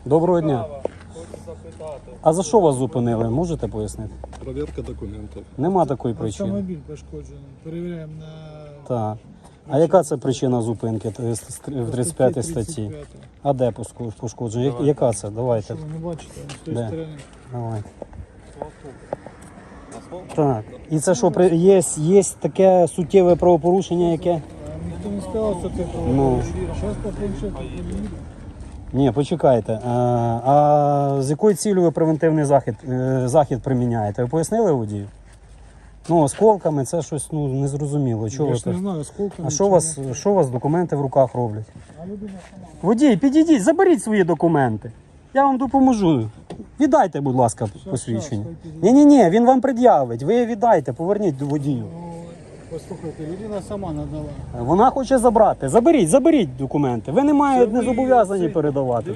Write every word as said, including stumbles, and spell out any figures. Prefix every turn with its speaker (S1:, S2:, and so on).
S1: Доброго дня.
S2: Хочу запитати.
S1: А за що вас зупинили? Можете пояснити?
S3: Проверка документів.
S1: Нема такої причини.
S4: Автомобіль пошкоджений. Перевіряємо на
S1: Так. А яка це причина зупинки в тридцять п'ятій статті? А де поско- пошкодження? Я- Яка це? Давайте.
S4: Що ви не бачите, з тої
S1: Де?
S4: сторони.
S1: Давай. Так. І це що, при- є, є таке суттєве правопорушення, яке?
S4: А ніхто не сказав, що це
S1: Ну.
S4: Зараз по планшету подивіться.
S1: Ні, почекайте. А, а з якою цілею ви превентивний захід, е, захід приміняєте? Ви пояснили водію? Ну, осколками це щось ну, незрозуміло. Чого
S4: Я
S1: ви
S4: ж не
S1: так?
S4: знаю, скільки.
S1: А що у вас, що у вас документи в руках роблять?
S4: А людина сама.
S1: Водій, підійдіть, заберіть свої документи. Я вам допоможу. Віддайте, будь ласка, посвідчення.
S4: щас, хай
S1: Ні-ні-ні, він вам пред'явить. Ви віддайте, поверніть до водію.
S4: Ну, послухайте, людина сама надала.
S1: Вона хоче забрати. Заберіть, заберіть документи. Ви не маєте, не
S4: ви-
S1: зобов'язані
S4: це-
S1: передавати.